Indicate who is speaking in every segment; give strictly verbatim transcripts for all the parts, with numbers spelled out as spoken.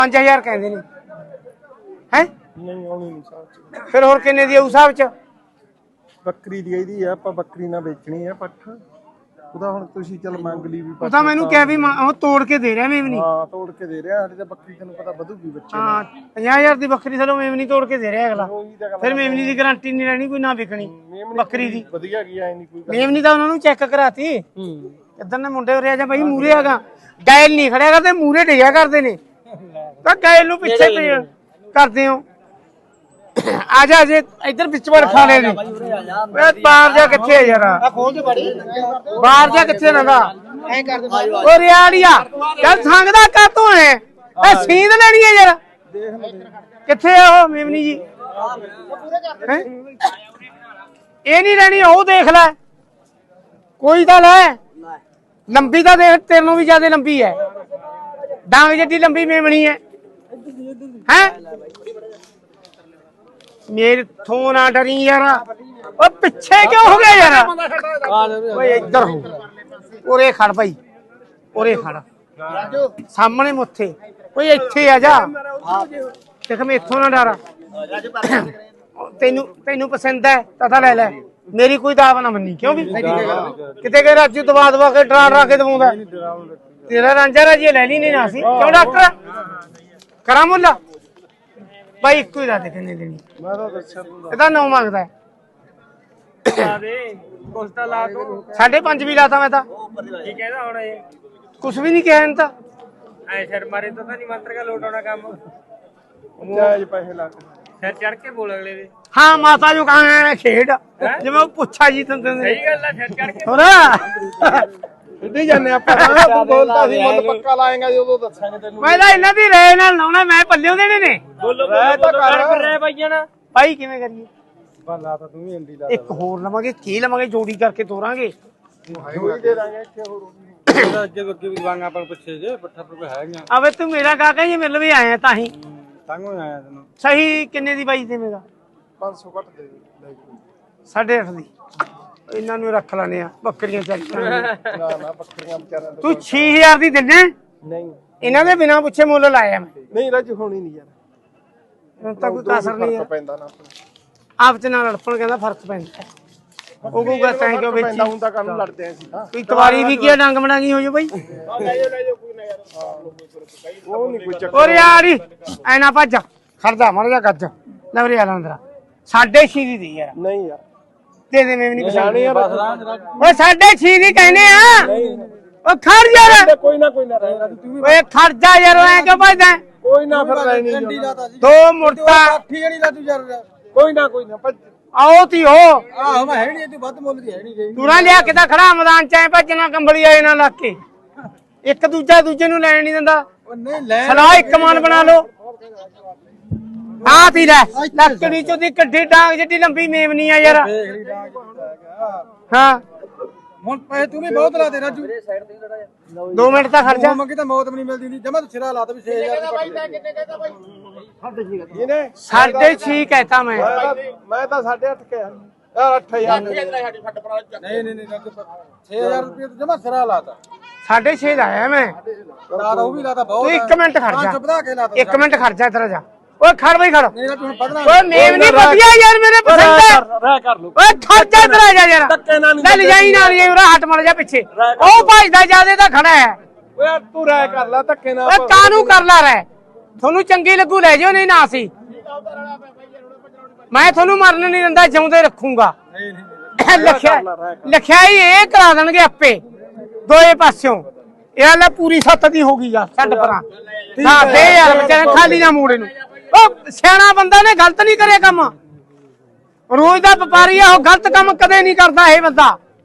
Speaker 1: पांच हजार कहते हैं है
Speaker 2: नहीं आनी नहीं साहब
Speaker 1: फिर होर किन्ने दी उस हिसाब च
Speaker 2: ਬੱਕਰੀ ਦੀ ਇਹਦੀ ਆ ਆਪਾਂ ਬੱਕਰੀ ਨਾ ਵੇਚਣੀ ਆ ਪੱਠ ਉਹਦਾ ਹੁਣ ਤੁਸੀਂ ਚੱਲ ਮੰਗ ਲਈ ਵੀ
Speaker 1: ਉਹ ਤਾਂ ਮੈਨੂੰ ਕਿਹਾ ਵੀ ਉਹ ਤੋੜ ਕੇ ਦੇ ਰਿਹਾ ਮੇਵਨੀ
Speaker 2: ਹਾਂ ਤੋੜ ਕੇ ਦੇ ਰਿਹਾ ਸਾਡੇ ਤਾਂ ਬੱਕਰੀ ਤੈਨੂੰ ਪਤਾ ਵਧੂਗੀ ਬੱਚੇ
Speaker 1: ਹਾਂ ਪੰਜਾਹ ਹਜ਼ਾਰ ਦੀ ਬੱਕਰੀ ਚਲੋ ਮੇਵਨੀ ਤੋੜ ਕੇ ਦੇ ਰਿਹਾ ਅਗਲਾ ਫਿਰ ਮੇਵਨੀ ਦੀ ਗਾਰੰਟੀ ਨਹੀਂ ਰਹਿਣੀ ਕੋਈ ਨਾ ਵਿਕਣੀ ਬੱਕਰੀ ਦੀ
Speaker 2: ਵਧੀਆ ਗਈ ਐ ਨਹੀਂ ਕੋਈ
Speaker 1: ਮੇਵਨੀ ਤਾਂ ਉਹਨਾਂ ਨੂੰ ਚੈੱਕ ਕਰਾਤੀ ਕਿੱਧਰ ਨੇ ਮੁੰਡੇ ਉਰੇ ਆ ਜਾ ਬਾਈ ਮੂਰੇ ਆਗਾ ਗੈਲ ਨਹੀਂ ਖੜਿਆ ਕਰਦੇ ਮੂਰੇ ਡਿਆ ਕਰਦੇ ਨੇ ਤਾਂ ਗੈਲ ਨੂੰ ਪਿੱਛੇ ਕਰਦੇ ਹੋ ਆ ਜਾ ਜੇ ਇੱਧਰ ਵਿੱਚ ਵੜ ਖਾਣੇ ਨੇ ਓਏ ਬਾਹਰ ਜਾ ਕਿੱਥੇ ਹੈ ਯਾਰ ਆ ਖੋਲ ਦੇ ਬੜੀ ਬਾਹਰ ਜਾ ਕਿੱਥੇ ਰਹਿੰਦਾ ਐ ਕਰ ਦੇ ਓ ਰਿਆੜੀਆ ਚੱਲ ਸੰਗਦਾ ਕਾਤੋਂ ਹੈ ਐ ਸੀਂਦ ਲੈਣੀ ਹੈ ਯਾਰ ਕਿੱਥੇ ਆ ਉਹ ਮੇਮਨੀ ਜੀ ਇਹ ਨਹੀਂ ਲੈਣੀ ਉਹ ਦੇਖ ਲੈ ਕੋਈ ਤਾਂ ਲੈ ਲੰਬੀ ਤਾਂ ਦੇਖ ਤੇਰੋਂ ਵੀ ਜ਼ਿਆਦਾ ਲੰਬੀ ਹੈ ਡਾਂਗ ਜਿੱਡੀ ਲੰਬੀ ਮੇਮਣੀ ਹੈ ਹੈ मेरे थो ना डरी यार ओ पीछे क्यों हो गया यार ओए इधर हो ओरे खड़ भाई ओरे खड़ सामने मुथे ओए इत्थे आ जा देख मैं इथों ना डरा तेनू तेनू पसंद है तथा ले ले मेरी कोई दाव ना मन्नी क्यों भी किते के राजू दबा दबा के डरा डरा के दवाउंदा तेरा रांझा राजी ले ली नहीं ना सी क्यों डॉक्टर करा मुल्ला भाई एक ही रात कितने देनी
Speaker 2: ਮੈਂ ਤਾਂ ਦੱਸਿਆ ਤੂੰ
Speaker 1: ਇਹਦਾ ਨੌ ਮੰਗਦਾ ਹੈ
Speaker 3: ਕੋਸਤਾ ਲਾ ਤੂੰ
Speaker 1: ਸਾਢੇ ਪੰਜ ਵੀ ਲਾਤਾ ਮੈਂ ਤਾਂ
Speaker 3: ਕੀ ਕਹਿੰਦਾ ਹੁਣ ਇਹ
Speaker 1: ਕੁਛ ਵੀ ਨਹੀਂ ਕਿਹਾ ਇਹਨੇ ਤਾਂ
Speaker 3: ਐ ਸਿਰ ਮਾਰੇ ਤਾਂ ਨਹੀਂ ਮੰਤਰ ਕਾ ਲੋਟ ਆਉਣਾ ਕੰਮ
Speaker 2: ਜਾਇਜ਼ ਪੈਸੇ ਲਾ ਕੇ
Speaker 3: ਸਿਰ ਚੜ ਕੇ ਬੋਲ ਅਗਲੇ ਦੇ
Speaker 1: ਹਾਂ ਮਾਤਾ ਜੋ ਕਹਾਂ ਖੇਡ ਜਿਵੇਂ ਉਹ ਪੁੱਛਾ ਜੀ ਤੰਦੇ
Speaker 3: ਸਹੀ ਗੱਲ ਆ ਸਿਰ ਚੜ ਕੇ
Speaker 1: ਹੋਰ
Speaker 2: ਇੱਡੀ ਜਾਂਦੇ ਆਪਾਂ ਤੂੰ ਬੋਲਦਾ ਸੀ ਮੁੱਲ ਪੱਕਾ ਲਾਏਗਾ ਜਦੋਂ ਦੱਸਾਂਗੇ ਤੈਨੂੰ
Speaker 1: ਮੈਂ ਤਾਂ ਇਹਨਾਂ ਦੀ ਰਹਿ ਨਾਲ ਲਾਉਣਾ ਮੈਂ ਪੱਲਿਓ ਦੇਣੇ ਨੇ
Speaker 3: ਬੋਲੋ ਬੋਲੋ ਕਰ ਰਹਿ ਭਾਈਆਂ ਨਾ
Speaker 1: ਭਾਈ ਕਿਵੇਂ ਕਰੀਏ
Speaker 2: ਲਾ ਤਾਂ ਤੂੰ ਵੀ ਇੰਡੀ ਲਾ
Speaker 1: ਇੱਕ ਹੋਰ ਲਵਾਂਗੇ ਕੀ ਲਵਾਂਗੇ ਜੋੜੀ ਕਰਕੇ ਤੋਰਾਂਗੇ
Speaker 2: ਜੋੜੀ ਦੇ ਦਾਂਗੇ ਇੱਥੇ ਹੋਰ
Speaker 3: ਅੱਗੇ ਅੱਗੇ ਵੀ ਵਾਂਗਾ ਪਰ ਪੁੱਛੇ ਜੇ ਪੱਠਾ ਪਰ ਹੈਗਾ
Speaker 1: ਆਵੇ ਤੂੰ ਮੇਰਾ ਕਾਕਾ ਜੀ ਮਿਲ ਵੀ ਆਇਆ ਤਾਂ ਹੀ
Speaker 3: ਤੰਗੋਂ ਆਇਆ ਤੈਨੂੰ
Speaker 1: ਸਹੀ ਕਿੰਨੇ ਦੀ ਬਾਈ ਦੇਵੇਂਗਾ
Speaker 2: ਪੰਜ ਸੌ ਘੱਟ ਦੇ ਦੇ
Speaker 1: ਸਾਢੇ ਅੱਠ ਦੀ ਇਹਨਾਂ ਨੂੰ ਰੱਖ ਲੈਣੇ ਆ ਬੱਕਰੀਆਂ ਚੱਲੀਆਂ
Speaker 2: ਨਾ ਨਾ ਬੱਕਰੀਆਂ ਵਿਚਾਰਿਆਂ
Speaker 1: ਤੂੰ ਛੇ ਹਜ਼ਾਰ ਦੀ ਦਿੰਨੇ
Speaker 2: ਨਹੀਂ
Speaker 1: ਇਹਨਾਂ ਦੇ ਬਿਨਾ ਪੁੱਛੇ ਮੁੱਲ ਲਾਇਆ ਮੈਂ
Speaker 2: ਨਹੀਂ ਰਾਜ ਹੋਣੀ ਨਹੀਂ ਯਾਰ
Speaker 1: ਹੁਣ ਤਾਂ ਕੋਈ ਕਸਰ ਨਹੀਂ ਹੈ
Speaker 2: ਪੈਂਦਾ ਨਾ
Speaker 1: ਆਪ ਚ ਨਾਲ ਲੜਪਣ ਕਹਿੰਦਾ ਫਰਕ ਪੈਂਦਾ ਉਹ ਕਹੂਗਾ ਤੈਂ ਕਿਉਂ ਵੇਚੀ
Speaker 2: ਪੈਂਦਾ ਹੁੰਦਾ ਕੰਮ ਲੜਦੇ ਆਂ ਸੀ ਹਾਂ
Speaker 1: ਕੋਈ ਤਵਾਰੀ ਵੀ ਕੀ ਡੰਗ ਮੜਾਂਗੀ ਹੋ ਜੋ ਬਾਈ
Speaker 2: ਉਹ ਨਹੀਂ ਕੋਈ ਚੱਕਰ
Speaker 1: ਓਰੇ ਯਾਰੀ ਐ ਨਾ ਭੱਜ ਖੜਦਾ ਮੜ ਜਾ ਗੱਜ ਲੈ ਵੀਰੇ ਆ ਅੰਦਰ ਸਾਢੇ ਛੇ ਦੀ ਦੇ ਯਾਰ
Speaker 2: ਨਹੀਂ ਯਾਰ
Speaker 1: ਦੇ ਦੇ ਮੈਂ ਵੀ ਨਹੀਂ ਪਛਾਣ
Speaker 2: ਯਾਰ
Speaker 1: ਓਏ ਸਾਢੇ ਛੇ ਦੀ ਕਹਿੰਦੇ ਆ ਓ ਖੜ ਯਾਰ
Speaker 2: ਕੋਈ ਨਾ ਕੋਈ ਨਾ ਰਹਿ ਤੂੰ ਵੀ
Speaker 1: ਓਏ ਖੜ ਜਾ ਯਾਰ ਐ ਕਿਉਂ ਭੱਜਦਾ
Speaker 2: ਕੋਈ ਨਾ ਫਿਰ ਲੈਣੀ
Speaker 1: ਦੋ ਮੁਰਤਾ
Speaker 2: ਠੀਕ ਨਹੀਂ ਲਾ ਤੂੰ ਯਾਰ ਕੋਈ ਨਾ ਕੋਈ ਨਾ
Speaker 1: ਆਓ ਤੀ ਹੋ
Speaker 2: ਆਹ ਮੈਂ ਹੈ ਨਹੀਂ ਤੂੰ ਵੱਧ ਮੁੱਲ ਦੀ ਹੈ ਨਹੀਂ ਗਈ
Speaker 1: ਤੂੰ ਲਿਆ ਕਿਦਾ ਖੜਾ ਮੈਦਾਨ ਚ ਐ ਭੱਜਣਾ ਕੰਬਲੀ ਆਏ ਨਾ ਲੱਗ ਕੇ ਇੱਕ ਦੂਜਾ ਦੂਜੇ ਨੂੰ ਲੈਣ ਨਹੀਂ ਦਿੰਦਾ
Speaker 2: ਉਹ ਨਹੀਂ ਲੈ
Speaker 1: ਸਲਾਹ ਇੱਕ ਮਨ ਬਣਾ ਲਓ ਆ ਤੀ ਲੈ ਲੱਕੜੀ ਚੋਂ ਦੀ ਕੱਢੀ ਡਾਂਗ ਜਿੱਡੀ ਲੰਬੀ ਮੇਵਨੀ ਆ ਯਾਰ ਹਾਂ
Speaker 2: ਹੁਣ ਪੈਸੇ ਤੂੰ ਵੀ ਬਹੁਤ ਲਾ ਦੇ ਰਾਜੂ
Speaker 1: ਦੋ ਮਿੰਟ ਤਾਂ ਖਰਚਾ
Speaker 2: ਮੰਗੀ ਤਾਂ ਮੌਤ ਵੀ ਨਹੀਂ ਮਿਲਦੀ ਜਮਾ ਤੂੰ ਸਿਰਾ ਲਾ ਤਾ ਵੀ ਛੇ ਹਜ਼ਾਰ ਇਹਨੇ
Speaker 1: ਸਾਢੇ ਛੇ ਕਹਿਤਾ ਮੈਂ
Speaker 2: ਮੈਂ ਤਾਂ ਸਾਢੇ ਅੱਠ ਕਿਹਾ ਯਾਰ ਅੱਠ ਹਜ਼ਾਰ ਨਹੀਂ ਨਹੀਂ ਨਹੀਂ ਛੇ ਹਜ਼ਾਰ ਰੁਪਏ ਜਮਾ ਸਿਰਾ ਲਾਤਾ
Speaker 1: ਸਾਢੇ ਛੇ ਦਾ ਆਇਆ ਮੈਂ
Speaker 2: ਲਾਤਾ ਉਹ ਵੀ ਲਾਤਾ ਬਹੁਤ
Speaker 1: ਤੂੰ ਇੱਕ ਮਿੰਟ ਖੜ ਜਾ
Speaker 2: ਵਧਾ ਕੇ ਲਾਤਾ
Speaker 1: ਇੱਕ ਮਿੰਟ ਖੜ ਜਾ ਇੱਧਰ ਜਾ ਓਏ ਖੜ ਬਈ ਖੜ
Speaker 2: ਨਹੀਂ ਤੂੰ ਵਧਣਾ
Speaker 1: ਓਏ ਮੇਵਨੀ ਵਧੀਆ ਯਾਰ ਮੇਰੇ ਪਸੰਦ ਹੈ
Speaker 2: ਰਹਿ ਕਰ ਲੂ
Speaker 1: ਓਏ ਖੜ ਜਾ ਇੱਧਰ ਆ ਜਾ ਯਾਰ ਲੈ ਲੈ ਜਾਈ ਨਾਲ ਜਾਈ ਉਰਾ ਹੱਟ ਮੜ ਜਾ ਪਿੱਛੇ ਉਹ ਭਜਦਾ ਜਿਆਦੇ ਤਾਂ ਖੜਾ ਹੈ
Speaker 2: ਓਏ ਤੂੰ ਰਹਿ ਕਰ ਲੈ ਧੱਕੇ ਨਾਲ
Speaker 1: ਓਏ ਕਾਹਨੂੰ ਕਰ ਲਾ ਰਹਿ ਤੁਹਾਨੂੰ ਚੰਗੀ ਲੱਗੂ ਲੈ ਜਿਓ ਨਹੀਂ ਨਾ ਸੀ ਮੈਂ ਤੁਹਾਨੂੰ ਮਰਨ ਨਹੀਂ ਦਿੰਦਾ ਜਿਉਂਦੇ ਰੱਖੂੰਗਾ ਲਿਖਿਆ ਲਿਖਿਆ ਹੀ ਇਹ ਕਰਾ ਦੇਣਗੇ ਆਪੇ ਦੋਏ ਪਾਸਿਓਂ ਇਹ ਲੈ ਪੂਰੀ ਸੱਤ ਦੀ ਹੋ ਗਈ ਯਾਰ ਛੱਡ ਪਰਾਂ ਨਾ ਦੇ ਯਾਰ ਵਿਚਾਰੇ ਖਾਲੀ ਨਾ ਮੂੜੇ ਨੂੰ ਉਹ ਸਿਆਣਾ ਬੰਦਾ ਨੇ ਗਲਤ ਨਹੀਂ ਕਰਿਆ ਕੰਮ ਰੋਜ਼ ਦਾ ਵਪਾਰੀ ਆ ਉਹ ਗਲਤ ਕੰਮ ਕਦੇ ਨਹੀਂ ਕਰਦਾ ਇਹ ਬੰਦਾ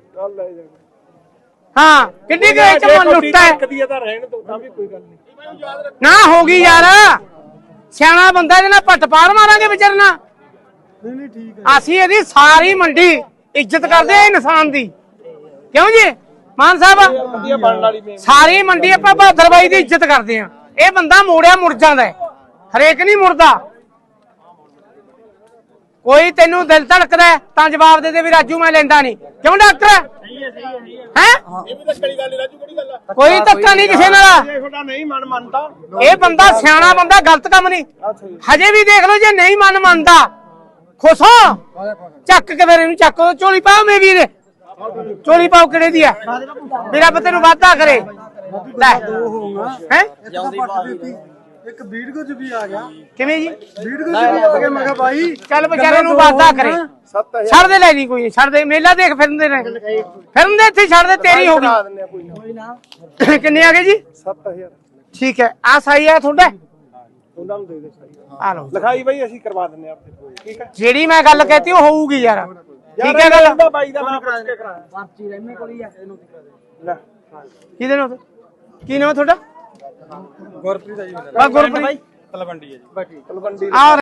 Speaker 1: ਹਾਂ ਕਿੰਨੀ ਕੁ ਚ ਮਨ ਲੁੱਟਾ ਹੈ
Speaker 2: ਤਾਂ ਰਹਿਣ ਦੋ ਤਾਂ ਵੀ ਕੋਈ ਗੱਲ ਨਹੀਂ
Speaker 1: ਨਾ ਹੋ ਗਈ ਯਾਰ ਸਿਆਣਾ ਬੰਦਾ ਇਹਦੇ ਨਾਲ ਪੱਟ ਪਾਰ ਮਾਰਾਂਗੇ ਵਿਚਾਰਨਾ
Speaker 2: ਨਹੀਂ ਨਹੀਂ ਠੀਕ ਹੈ
Speaker 1: ਅਸੀਂ ਇਹਦੀ ਸਾਰੀ ਮੰਡੀ ਇੱਜ਼ਤ ਕਰਦੇ ਆ ਇਨਸਾਨ ਦੀ ਕਿਉਂ ਜੀ ਮਾਨ ਸਾਹਿਬ
Speaker 2: ਵਧੀਆ ਬਣਨ ਵਾਲੀ
Speaker 1: ਸਾਰੀ ਮੰਡੀ ਆਪਾਂ ਬਹਾਦਰ ਬਾਈ ਦੀ ਇੱਜ਼ਤ ਕਰਦੇ ਆ ਇਹ ਬੰਦਾ ਮੋੜਿਆ ਮੁੜ ਜਾਂਦਾ ਹਰੇਕ ਨਹੀਂ ਮੁੜਦਾ ਕੋਈ ਤੈਨੂੰ ਦਿਲ ਧੜਕਦਾ ਹੈ ਤਾਂ ਜਵਾਬ ਦੇ ਦੇ ਵੀ ਰਾਜੂ ਮੈਂ ਲੈਂਦਾ ਨਹੀਂ। ਕਿਉਂ ਡਾਕਟਰ ਹੈ?
Speaker 2: ਇਹ ਵੀ ਤਾਂ ਕਿਹੜੀ ਗੱਲ ਰਾਜੂ, ਕਿਹੜੀ ਗੱਲ ਆ?
Speaker 1: ਕੋਈ ਧੱਕਾ ਨਹੀਂ ਕਿਸੇ ਨਾਲ।
Speaker 2: ਤੁਹਾਡਾ ਨਹੀਂ ਮਨ ਮੰਨਦਾ,
Speaker 1: ਇਹ ਬੰਦਾ ਸਿਆਣਾ ਬੰਦਾ, ਗਲਤ ਕੰਮ ਨਹੀਂ। ਹਜੇ ਵੀ ਦੇਖ ਲਓ ਜੇ ਨਹੀਂ ਮਨ ਮੰਨਦਾ ਖੁਸ਼ ਹੋ ਚੱਕ ਕੇ ਫਿਰ ਇਹਨੂੰ ਚੱਕੋ ਝੋਲੀ ਪਾਓ ਮੇਰੀ ਦੇ ਝੋਲੀ ਪਾਓ ਕਿਹੜੇ ਦੀ ਆ ਵੀ ਰੱਬ ਤੈਨੂੰ ਵਾਧਾ ਕਰੇ ਲੈ ਹੈ
Speaker 2: ਇੱਕ ਵੀਡੀਓ ਚ ਵੀ ਆ ਗਿਆ।
Speaker 1: ਕਿਵੇਂ ਜੀ
Speaker 2: ਵੀਡੀਓ ਚ ਵੀ ਆ ਗਿਆ। ਮੈਂ ਕਿਹਾ ਬਾਈ
Speaker 1: ਚੱਲ ਵਿਚਾਰੇ ਨੂੰ ਵਾਧਾ ਕਰੇ।
Speaker 2: ਸੱਤ ਹਜ਼ਾਰ
Speaker 1: ਛੱਡ ਦੇ ਲੈ ਨਹੀਂ ਕੋਈ ਨੀ, ਛੱਡ ਦੇ ਮੇਲਾ ਦੇਖ ਫਿਰਦੇ ਨੇ ਫਿਰਦੇ ਇੱਥੇ ਛੱਡ ਦੇ ਤੇਰੀ ਹੋ ਗਈ।
Speaker 2: ਕੋਈ ਨਾ
Speaker 1: ਕਿੰਨੇ ਆ ਗਏ ਜੀ?
Speaker 2: ਸੱਤ ਹਜ਼ਾਰ
Speaker 1: ਠੀਕ ਹੈ ਆ ਸਹੀ ਹੈ ਤੁਹਾਡਾ
Speaker 2: ਉਹਨਾਂ ਨੂੰ ਦੇ ਦੇ ਸਹੀ
Speaker 1: ਆ ਲਓ
Speaker 2: ਲਿਖਾਈ ਬਾਈ ਅਸੀਂ ਕਰਵਾ ਦਿੰਨੇ ਆਪੇ, ਠੀਕ ਹੈ।
Speaker 1: ਜਿਹੜੀ ਮੈਂ ਗੱਲ ਕਹਿਤੀ ਉਹ ਹੋਊਗੀ ਯਾਰ ਠੀਕ ਹੈ ਗੱਲ।
Speaker 2: ਦਾ ਬਾਈ ਦਾ ਨਾਮ ਪੁੱਛ ਕੇ ਕਰਾਇਆ ਪਰਚੀ ਰਹਿਮੇ ਕੋਲ ਹੀ ਆ ਇਹਨੂੰ ਲੈ
Speaker 1: ਕਿਹਦੇ ਨਾਲ ਕੀ ਨਾਮ ਤੁਹਾਡਾ?
Speaker 3: ਗੁਰਪ੍ਰੀਤ ਆ ਜੀ
Speaker 1: ਬਾ ਗੁਰਪ੍ਰੀਤ
Speaker 3: ਤਲਵੰਡੀ ਹੈ ਜੀ।
Speaker 2: ਤਲਵੰਡੀ
Speaker 1: ਆ